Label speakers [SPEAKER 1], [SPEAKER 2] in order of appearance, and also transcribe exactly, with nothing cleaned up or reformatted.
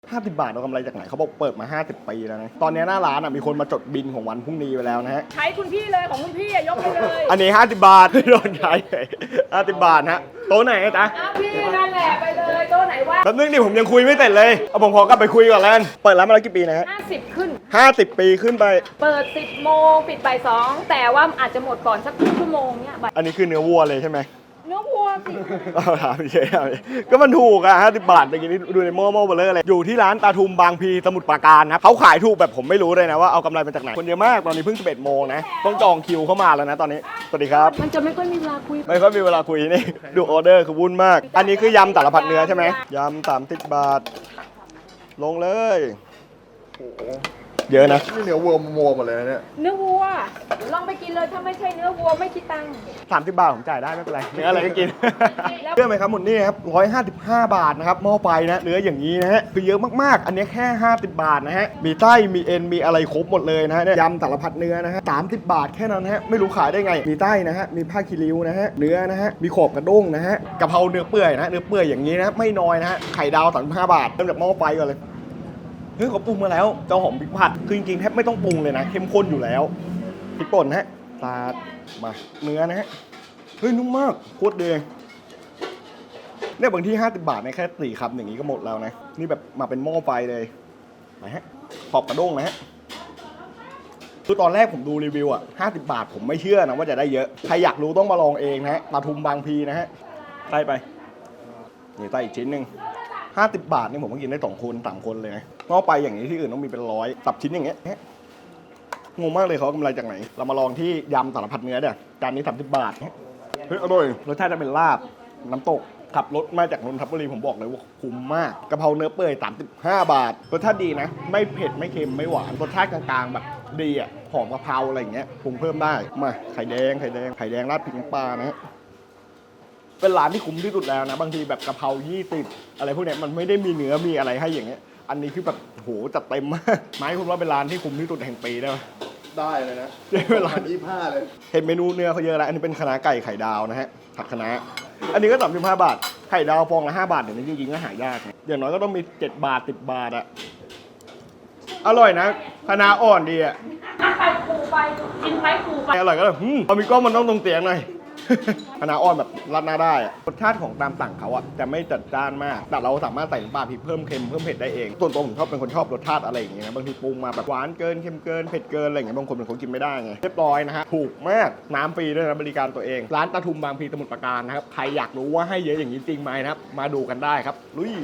[SPEAKER 1] ห้าสิบบาทเอากำไรจากไหนเขาบอกเปิดมาห้าสิบปีแล้วนะตอนนี้หน้าร้านอ่ะมีคนมาจดบินของวันพรุ่งนี้ไปแล้วนะฮะ
[SPEAKER 2] ใช้คุณพี่เลยของคุณพี่ยกไปเลย
[SPEAKER 1] อันนี้ห้าสิบบาทโดนใช้ห้าสิบบาทฮะโต๊ะไหนจ๊ะ
[SPEAKER 2] อ้าวพี่นั่นแหละไปเลยโต๊ะไหนว่า
[SPEAKER 1] แป๊บนึงดิผมยังคุยไม่เสร็จเลยเอาผมขอกลับไปคุยก่อนแล้วกันเปิดร้านมาแล้วกี่ปีนะฮะ
[SPEAKER 2] ห้าสิบขึ้น
[SPEAKER 1] ห้าสิบปีขึ้นไป
[SPEAKER 2] เปิดสิบโมงปิดบ่ายสองแต่ว่าอาจจะหมดก่อนสักชั่วโมงเนี้ย
[SPEAKER 1] อันนี้คือเนื้อวัวเลยใช่ไหม
[SPEAKER 2] เนื้อวัวสิ
[SPEAKER 1] เอาถามเฉยๆก็มันถูกอะห้าสิบบาทเมื่อกี้นี้ดูในหม้อหม้อเบลเลอร์เลยอยู่ที่ร้านตาทุมบางพีสมุทรปราการนะเขาขายถูกแบบผมไม่รู้เลยนะว่าเอากำไรมาจากไหนคนเยอะมากตอนนี้เพิ่งสิบเอ็ดโมงนะต้องจองคิวเข้ามาแล้วนะตอนนี้สวัสดีครับ
[SPEAKER 2] มันจะไม่ค่อยมีเวลาคุย
[SPEAKER 1] ไม่ค่อยมีเวลาคุยนี่ดูออเดอร์คือวุ่นมากอันนี้คือยำสารพัดเนื้อใช่ไหมยำสามสิบบาทลงเลยเยอะนะ
[SPEAKER 3] นี่เนื้อวัวมัวหมดเลยนะเนี่ย
[SPEAKER 2] เนื้อวัวลองไปกินเลยถ้าไม่ใช่เนื้อวัวไม่คิดตังค์
[SPEAKER 1] สามสิบบาทผมจ่ายได้ไม่เป็นไรเนื้ออะไรก็กินเชื่อไหมครับหมดนี่ครับร้อยห้าสิบห้าบาทนะครับหม้อไฟนะเนื้ออย่างนี้นะฮะคือเยอะมากๆอันนี้แค่ห้าสิบบาทนะฮะมีไส้มีเอ็นมีอะไรครบหมดเลยนะฮะยำสารพัดเนื้อนะฮะสามสิบบาทแค่นั้นฮะไม่รู้ขายได้ไงมีไส้นะฮะมีผ้าคีริ้วนะฮะเนื้อนะฮะมีขอบกระด้งนะฮะกะเพราเนื้อเปื่อยนะเนื้อเปื่อยอย่างนี้นะไม่น้อยนะฮะไข่ดาวสามสิบห้าบาทเริ่มจากหม้อไฟก่อนเลยเฮ้ยเขาปรุงมาแล้วเจ้าหอมพริกผัดคือจริงๆแทบไม่ต้องปรุงเลยนะเข้มข้นอยู่แล้วพริกป่นนะฮะสาดมาเนื้อนะฮะเฮ้ยนุ่มมากโคตรดีเนี่ยบางที่ห้าสิบบาทในแค่สี่คำอย่างนี้ก็หมดแล้วนะนี่แบบมาเป็นหม้อไฟเลยไหนฮะขอบกระด้งนะฮะคือตอนแรกผมดูรีวิวอ่ะห้าสิบบาทผมไม่เชื่อนะว่าจะได้เยอะใครอยากรู้ต้องมาลองเองนะฮะปทุมบางพีนะฮะใส่ไปนี่ใส่อีกชิ้นหนึ่งห้าสิบบาทนี่ผมก็กินได้สองคนสามคนเลยนะงอไปอย่างนี้ที่อื่นต้องมีเป็นร้อยตับชิ้นอย่างเงี้ยงงมากเลยเขากำไรจากไหนเรามาลองที่ยำสารพัดเนื้อเดี๋ยวจานนี้สามสิบบาทเฮ้ยอร่อยรสชาติจะเป็นลาบน้ำตกขับรถมาจากนนทบุรีผมบอกเลยว่าคุ้มมากกะเพราเนื้อเปื่อยสามสิบห้าบาทรสชาติดีนะไม่เผ็ดไม่เค็มไม่หวานรสชาติกลางๆแบบดีอ่ะหอมกะเพราอะไรอย่างเงี้ยปรุงเพิ่มได้มาไข่แดงไข่แดงไข่แดงราดพริกน้ำปลานะเป็นร้านที่คุ้มที่สุดแล้วนะบางทีแบบกะเพรายี่สิบอะไรพวกเนี้ยมันไม่ได้มีเนื้อมีอะไรให้อย่างเงี้ยอันนี้คือแบบโหจัดเต็มมากไม้คุณว่าเป็นร้านที่คุ้มที่สุดแห่งปีได้ไหม
[SPEAKER 3] ได้เลยนะ
[SPEAKER 1] เป็นร้าน
[SPEAKER 3] ยี่ห้าเลย
[SPEAKER 1] เห็นเมนูเนื้อเขาเยอะแล้วอันนี้เป็นคะน้าไก่ไข่ดาวนะฮะผัดคะน้าอันนี้ก็สามสิบห้าบาทไข่ดาวฟองละห้าบาทเดี๋ยวนี้จริงๆก็หายากอย่างน้อยก็ต้องมีเจ็ดบาทสิบบาทอะอร่อยนะคะน้าอ่อนดีอะ
[SPEAKER 2] ไข่ปูไปกินไข่ปูไป
[SPEAKER 1] อร่อยก็เลยพอมีกล้องมันต้องตรงเตียงหน่อยคะน้าอ่อนแบบรัดหน้าได้อะรสชาติของตามสั่งเขาอะจะไม่จัดจ้านมากแต่เราสามารถใส่น้ำปลาพริกเพิ่มเค็มเพิ่มเผ็ดได้เองส่วนตัวผมชอบเป็นคนชอบรสชาติอะไรอย่างเงี้ยนะบางทีปรุงมาแบบหวานเกินเค็มเกินเผ็ดเกินอะไรอย่างเงี้ยบางคนเป็นคนกินไม่ได้ไงเรียบร้อยนะฮะถูกมากน้ำฟรีด้วยนะบริการตัวเองร้านตาทุมบางพีสมุทรปราการนะครับใครอยากรู้ว่าให้เยอะอย่างนี้จริงไหมนะครับมาดูกันได้ครับลุย